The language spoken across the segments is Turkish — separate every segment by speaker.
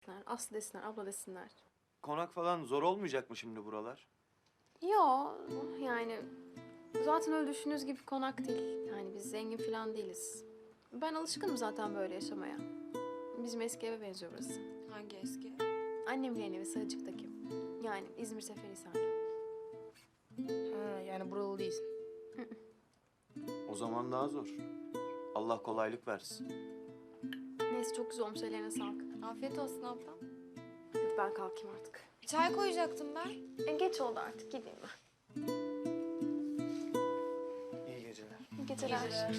Speaker 1: desinler, Aslı desinler, abla desinler.
Speaker 2: Konak falan zor olmayacak mı şimdi buralar?
Speaker 1: Yo, yani zaten öyle düşündüğünüz gibi konak değil. Yani biz zengin falan değiliz. Ben alışkınım zaten böyle yaşamaya. Bizim eski eve benziyor burası.
Speaker 3: Hangi eski?
Speaker 1: Annemin yeni evi Sarıcık'taki. Yani İzmir Seferihisar'da.
Speaker 4: Ha, yani buralı değilsin.
Speaker 2: O zaman daha zor. Allah kolaylık versin.
Speaker 1: Neyse çok güzel olmuş, ellerine sağlık.
Speaker 3: Afiyet olsun ablam.
Speaker 1: Hadi ben kalkayım artık.
Speaker 3: Çay koyacaktım ben.
Speaker 1: Geç oldu artık, gideyim ben.
Speaker 2: İyi geceler.
Speaker 1: İyi geceler.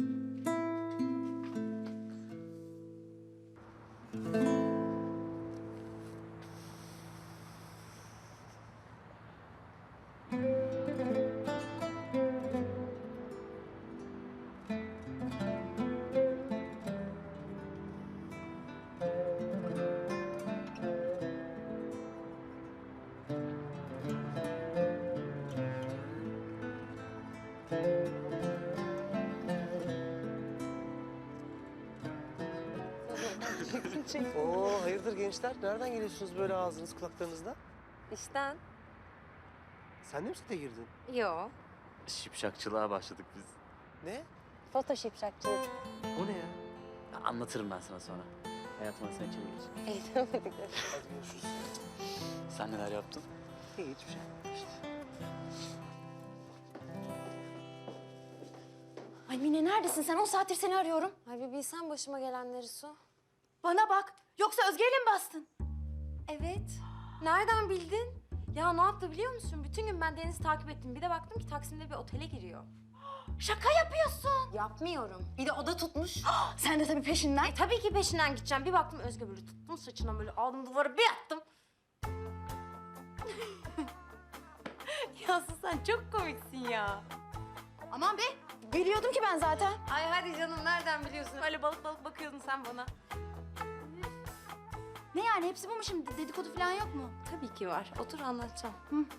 Speaker 5: Oo, hayırdır gençler? Nereden geliyorsunuz böyle ağzınız kulaklarınızda?
Speaker 3: İşten.
Speaker 5: Sen de mi sete girdin?
Speaker 3: Yo.
Speaker 6: Şipşakçılığa başladık biz.
Speaker 5: Ne?
Speaker 3: Foto şipşakçılık.
Speaker 5: O ne ya?
Speaker 6: Anlatırım ben sana sonra. Hayatıma sen içeri geç.
Speaker 3: Eğitemedik.
Speaker 5: Hadi görüşürüz.
Speaker 6: Sen neler yaptın?
Speaker 5: İyi, hiçbir şey.
Speaker 7: Ay Mine neredesin sen? 10 saattir seni arıyorum.
Speaker 3: Ay bir bilsen başıma gelenleri Su.
Speaker 7: Bana bak. Yoksa Özge'yle mi bastın?
Speaker 3: Evet. Nereden bildin? Ya ne yaptı biliyor musun? Bütün gün ben Deniz'i takip ettim. Bir de baktım ki Taksim'de bir otele giriyor.
Speaker 7: Şaka yapıyorsun.
Speaker 3: Yapmıyorum. Bir de oda tutmuş.
Speaker 7: Sen de tabii peşinden.
Speaker 3: Tabii ki peşinden gideceğim. Bir baktım Özge böyle tuttum saçına böyle aldım duvara bir attım. ya Su sen çok komiksin ya.
Speaker 7: Aman be. Biliyordum ki ben zaten.
Speaker 3: Ay hadi canım nereden biliyorsun? Öyle balık balık bakıyordun sen bana.
Speaker 7: Ne yani hepsi bu mu şimdi? Dedikodu falan yok mu?
Speaker 3: Tabii ki var. Otur anlatacağım.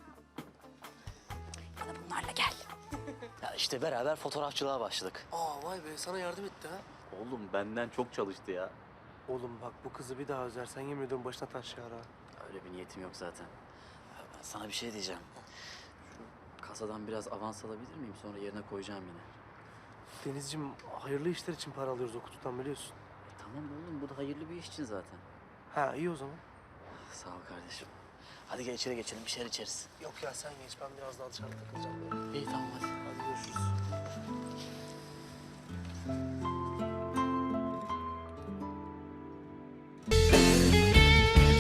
Speaker 7: Bana bunlarla gel.
Speaker 6: Ya işte beraber fotoğrafçılığa başladık.
Speaker 5: Aa, vay be, sana yardım etti ha.
Speaker 6: Oğlum benden çok çalıştı ya.
Speaker 5: Oğlum bak, bu kızı bir daha üzersen yemin ediyorum başına taş yağar ha.
Speaker 6: Öyle bir niyetim yok zaten. Ya ben sana bir şey diyeceğim. Şu kasadan biraz avans alabilir miyim? Sonra yerine koyacağım yine.
Speaker 5: Denizciğim, hayırlı işler için para alıyoruz o kutudan, biliyorsun.
Speaker 6: Tamam oğlum, bu da hayırlı bir iş için zaten.
Speaker 5: Ha, iyi o zaman.
Speaker 6: Sağ ol kardeşim. Hadi gel içeri geçelim, bir şeyler içeriz.
Speaker 5: Yok ya, sen geç, ben biraz daha dışarıda takılacağım böyle.
Speaker 6: İyi tamam hadi.
Speaker 5: Hadi görüşürüz.